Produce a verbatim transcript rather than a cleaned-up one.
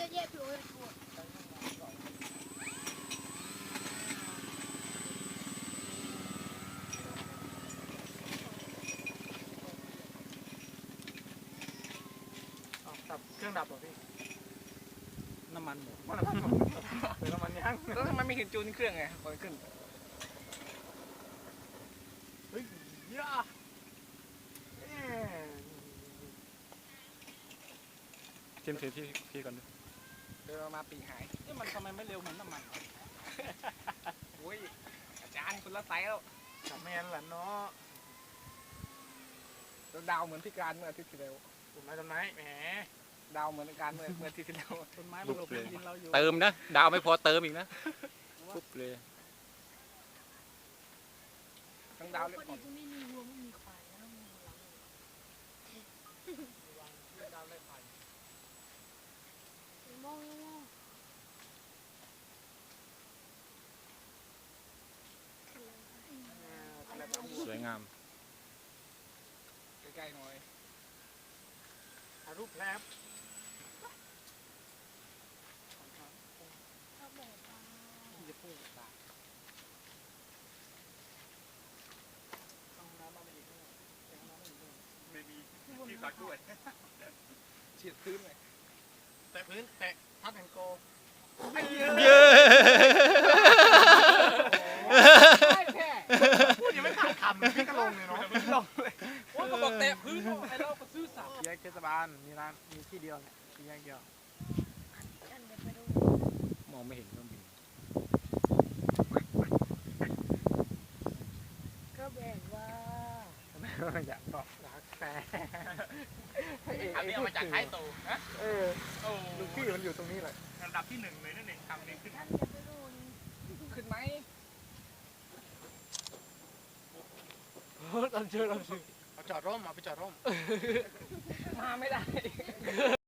เยอะผิวเลยปวดดับเครื่องดับเหรอพี่น้ำมันหมดว่าน้ำมันหมดหรือน้ำมันยังแล้วทำไมไม่เห็นจูนเครื่องไงพอขึ้นเฮ้ยย่าเอ๊ะจิ้มถือที่พี่ก่อนดิเดินมาปีหายนี่มันทำไมไม่เร็วเหมือนน้ำมันโอ้ยอาจารย์คุณละไซส์แล้วทำแมนแหละเนาะดาวเหมือนพิการเมื่ออาทิตย์ที่แล้วต้นไม้ต้นไม้แหมดาวเหมือนการเมื่อเมื่ออาทิตย์ที่แล้วต้นไม้มันหลบดินเราอยู่เติมนะดาวไม่พอเติมอีกนะปุ๊บเลยทั้งดาวเลยพอดีตรงนี้มีวัวไม่มีควายแล้วมีหลังดาวไล่ไผ่มองมองสวยงามใกล้ๆหน่อยถ่ายรูปแลบชอบแบบที่จะพูดตาต้องน้ำมาอีกด้วยต้องน้ำมาอีกด้วยไม่มีที่ตักด้วยฉีดพื้นเลยแตะพื้นแตะพัดแอนโกเย้พูดยังไม่ขาดคำเลยพี่ก็ลงเลยเนาะลงเลยโอ้ยก็บอกแตะพื้นไอ้เราก็ซื้อสับแยกเทศบาลมีร้านมีที่เดียวเนี่ยมีแยกเดียวกันเดี๋ยวไปดูมองไม่เห็นเครื่องบินก็แบบว่าอยากบอกรักแต่อันนี้เอามาจากท้ายตูฮะเออโอ้ลูกพี่มันอยู่ตรงนี้เลยอันดับที่หนึ่งเลยนั่นเองทำนี้ขึ้นท่านเดี๋ยวไปดูนี่ขึ้นไหมเราเจอเราเจอเอาจอดร่มเอาไปจอดร่มมาไม่ได้